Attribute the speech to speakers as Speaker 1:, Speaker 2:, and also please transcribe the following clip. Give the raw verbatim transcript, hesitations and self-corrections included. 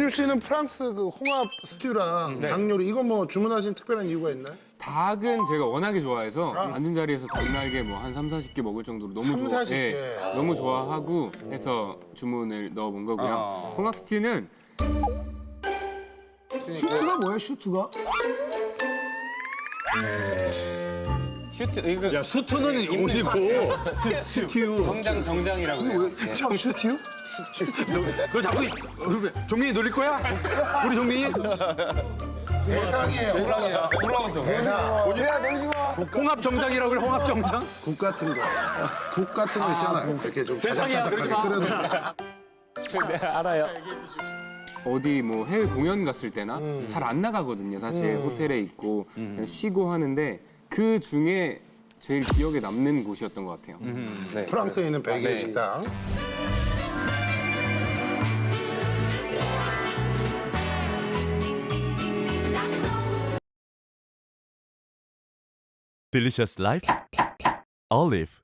Speaker 1: 원유 씨는 프랑스 그 홍합 스튜랑 닭 요리 이거 뭐 주문하신 특별한 이유가 있나요?
Speaker 2: 닭은 제가 워낙에 좋아해서 앉은 자리에서 닭날개 뭐 한 삼, 사십 개 먹을 정도로 너무
Speaker 1: 삼,
Speaker 2: 좋아.
Speaker 1: 사십 개.
Speaker 2: 너무 좋아하고 해서 주문을 넣어본 거고요. 홍합 스튜는
Speaker 3: 슈트가 뭐야, 슈트가?
Speaker 2: 슈트 이거
Speaker 4: 야, 수트는 옷이고 스튜.
Speaker 2: 정장 정장이라고 해요. 네.
Speaker 3: 참, 슈트요?
Speaker 4: 너 자꾸 우리 종민이 놀릴 거야? 우리 종민이?
Speaker 1: 대상이에요.
Speaker 2: 올라왔어.
Speaker 1: 대상.
Speaker 3: 야, 내지마.
Speaker 4: 홍합 정장이라고 그래, 홍합 정장?
Speaker 1: 국 같은 거. 국 같은 거 있잖아요. 이렇게 좀
Speaker 4: 대상이야,
Speaker 1: 자작자작하게
Speaker 4: 그러지
Speaker 1: 끓여도.
Speaker 4: 알아요.
Speaker 2: 어디 뭐 해외 공연 갔을 때나 잘 안 나가거든요. 사실 호텔에 있고 그냥 쉬고 하는데 그 중에 제일 기억에 남는 곳이었던 것 같아요. 네.
Speaker 1: 프랑스에 있는 벨기에
Speaker 2: 네.
Speaker 1: 식당.
Speaker 5: Delicious Life Olive